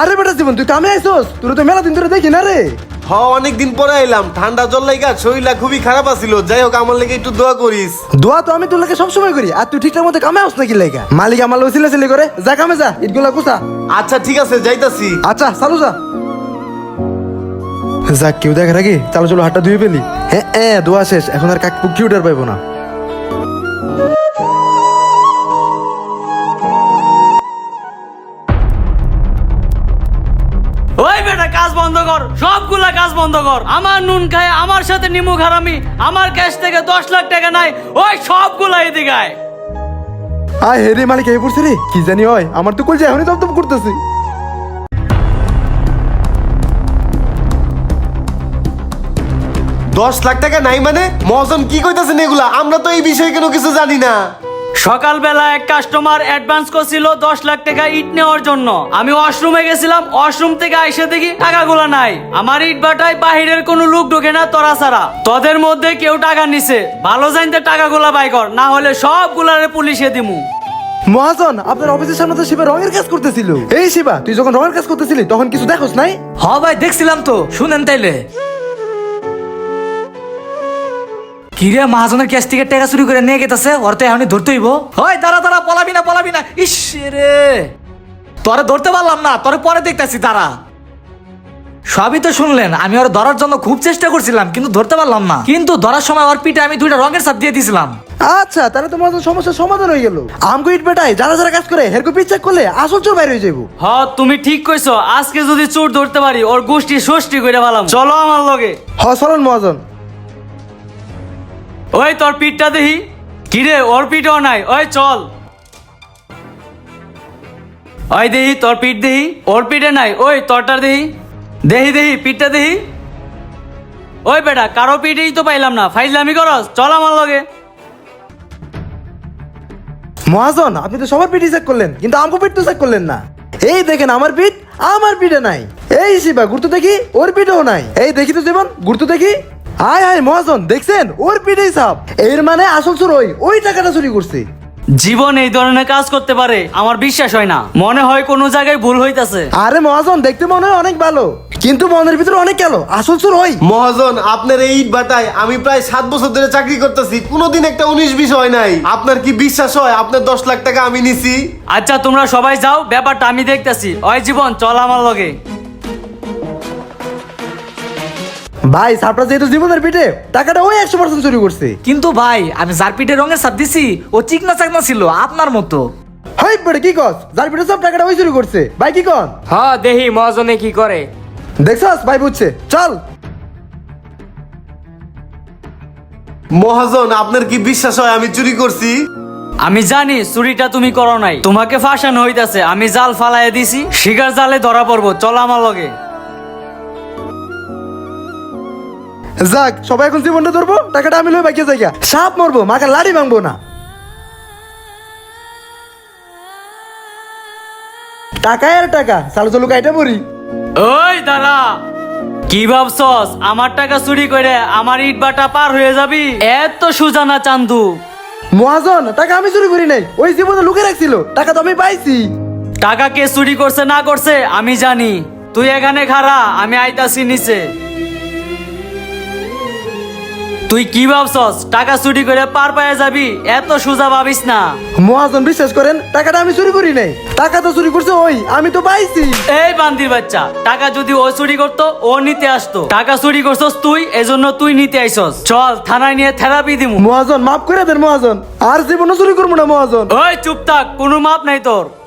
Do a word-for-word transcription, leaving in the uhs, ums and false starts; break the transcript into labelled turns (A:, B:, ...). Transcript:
A: আরে বেটা জীবন তুই কামে আইছস? তোর তো মেলা দিন ধরে দেখি না রে।
B: হ অনেক দিন পরে এলাম, ঠান্ডা জল লাগা শরীরটা খুবই খারাপ আছিল। যাই হোক আমার লেগে একটু দোয়া করিস।
A: দোয়া তো আমি তোর লাগে সবসময় করি, আর তুই ঠিকঠাক মতো কামে আস নাকি লাইগা? মালিক আমার লোক সিলে করে, যা কামে যা, ইটগুলা কুসা।
B: আচ্ছা ঠিক আছে যাইতাছি।
A: আচ্ছা চালু যা। যাক কেউ দেখার আগে চালো চলো হাতটা ধুয়ে ফেলি। হ্যাঁ হ্যাঁ দোয়া শেষ, এখন আর কাক পুকি উঠার পাইবো না।
C: ওই বেটা কাজ বন্ধ কর, সবগুলা কাজ বন্ধ কর। আমার নুন খায়, আমার সাথে নিমু খারামি, আমার ক্যাশ থেকে দশ লাখ টাকা নাই, ওই সবগুলা এদিকে আয়।
A: আয় হে রে মালিক এই পড়ছে রে, কি জানি হয়, আমার তো কইছে এখনই দপদপ করতেছি।
B: দশ লাখ টাকা নাই মানে? মহাজন কি কইতাছেন এগুলা? আমরা তো এই বিষয়ে কোনো কিছু জানি না।
C: সকালবেলা এক কাস্টমার অ্যাডভান্স করছিল দশ লাখ টাকা ইট নেওয়ার জন্য। আমি ওয়াশরুমে গেছিলাম, ওয়াশরুম থেকে আইসে দেখি টাকাগুলা নাই। আমার ইট বাটায় বাহিরের কোনো লোক ঢোকে না তোরা ছাড়া। তোদের মধ্যে কেউ টাকা নিছে, ভালো জানতে টাকাগুলা বাই কর, না হলে সবগুলারে পুলিশে দিমু।
A: মহাজন আপনার অফিসের সামনে তো শিবা রঙের কাজ করতেছিল। এই শিবা তুই যখন রঙের কাজ করতেছিলি তখন কিছু দেখোস নাই?
D: হ ভাই দেখছিলাম তো, শুনেন তাইলে। কিরে মহাজনের ক্যাশ থেকে টাকা চুরি করে নিয়ে গেতেছে, ওর তো এখনই ধরতে হইব। হয় দাঁড়া দাঁড়া, পলাবি না পলাবি না। ইস রে, তোরে ধরতে পারলাম না, তোরে পরে দেখতেছি দাঁড়া। সবই তো শুনলেন, আমি ওর ধরার জন্য খুব চেষ্টা করছিলাম কিন্তু ধরতে পারলাম না। কিন্তু ধরার সময় ওর পিঠে আমি দুইটা রঙের ছাপ দিয়ে দিয়েছিলাম।
A: আচ্ছা তাহলে তো মহাজন সমস্যার সমাধান হয়ে গেল। আমগো ইট বেটায় যারা যারা কাজ করে হেরকো পিচ চেক করলে আসল চোর বাইরে হয়ে যাবো।
C: হ তুমি ঠিক কইছো, আজকে যদি চোর ধরতে পারি ওর গোষ্ঠী ষষ্ঠী করে ভালাম। চলো আমার লগে।
A: হ চলুন মহাজন।
C: ওই তোর পিঠটা দেখি। কিরে ওর পিঠও নাই, ওই চল। ওই দেহি তোর পিঠ দেহি, ওর পিঠে নাই, ওই তোরটার দেহি। দেহি দেহি পিঠটা দেহি। ওই বেটা কারো পিঠেই তো পাইলাম না, ফাইজলামি করস, চল আমার লগে।
A: মহাজন আপনি তো সবার পিঠ চেক করলেন কিন্তু আমগো পিঠ তো চেক করলেন না। এই দেখেন আমার পিঠ, আমার পিঠে নাই। এই শিবা গুরুত্ব দেখি, ওর পিঠেও নাই। এই দেখি তো জীবন গুরুত্ব দেখি। হায় হায় মহাজন দেখছেন, ওর পিঠেই সাপ। এর মানে আসল চোর ওই, ওই টাকাটা চুরি করছে।
C: জীবন এই ধরনের কাজ করতে পারে আমার বিশ্বাস হয় না, মনে হয় কোনো জায়গায় ভুল হইতাছে।
A: আরে মহাজন দেখতে মনে হয় অনেক ভালো কিন্তু মনের ভিতরে অনেক গেল, আসল চোর ওই।
B: মহাজন আপনার এই ইট বাটায় আমি প্রায় সাত বছর ধরে চাকরি করতেছি, কোনোদিন একটা উনিশ বিশ হয় নাই। আপনার কি বিশ্বাস হয় আপনার দশ লাখ টাকা আমি নিছি?
C: আচ্ছা তোমরা সবাই যাও, ব্যাপারটা আমি দেখতেছি। ওই জীবন চল আমার লগে।
A: ভাই সাপটা যেহেতু জীবনের পিঠে, টাকাটা ওই একশো পার্সেন্ট চুরি করছে।
D: কিন্তু ভাই আমি যার পিঠে রঙের ছাপ দিছি ও চিকনা চাকনা ছিল আপনার মতো।
A: হাই বেড়ে কি কস, যার পিঠে সব টাকাটা ওই চুরি করছে। ভাই কি কন?
E: হ্যাঁ দেহি মহাজনে কি করে।
A: দেখছস ভাই বুঝছে, চল।
B: মহাজন আপনার কি বিশ্বাস হয় আমি চুরি করছি?
C: আমি জানি চুরিটা তুমি করো নাই, তোমাকে ফাঁসানো হইতাছে। আমি জাল ফালাইয়া দিছি, শিকার জালে ধরা পড়বো, চলো আমার লগে।
A: যাক সবাই এখন জীবনটা ধরবো, টাকাটা আমি লই বাকি জায়গা। সাপ মরবো মাকে লাড়ি ভাঙবো না। টাকা আর টাকা, চালু চালু কাইটা পড়ি।
C: ওই দাঁড়া, কি ভাবছস আমার টাকা চুরি করে আমার ইট বাটা পার হয়ে যাবি? এত সুজা না চান্দু।
A: মহাজন টাকা আমি চুরি করি নাই, ওই জীবনে লুকে রাখছিল, টাকা তো আমি পাইছি।
C: টাকা কে চুরি করছে না করছে আমি জানি, তুই এখানে খাড়া, আমি আইতাছি নিচে। তুই কি ভাবছস টাকা চুরি করে পার পায়ে যাবি? এত সোজা ভাবিস না।
A: মহাজন বিশ্বাস করেন, টাকাটা আমি চুরি করি নাই, টাকা তো চুরি করছে ওই, আমি তো পাইছি।
C: এই বান্দির বাচ্চা, টাকা যদি ও চুরি করতো ও নিতে আসতো, টাকা চুরি করছস তুই, এজন্য তুই নিতে আইছস। চল থানায় নিয়ে থেরাপি দিমু।
A: মহাজন মাফ করে দেন মহাজন, আর জীবনে চুরি করবো না মহাজন।
C: ওই চুপ থাক, কোনো মাপ নাই তোর।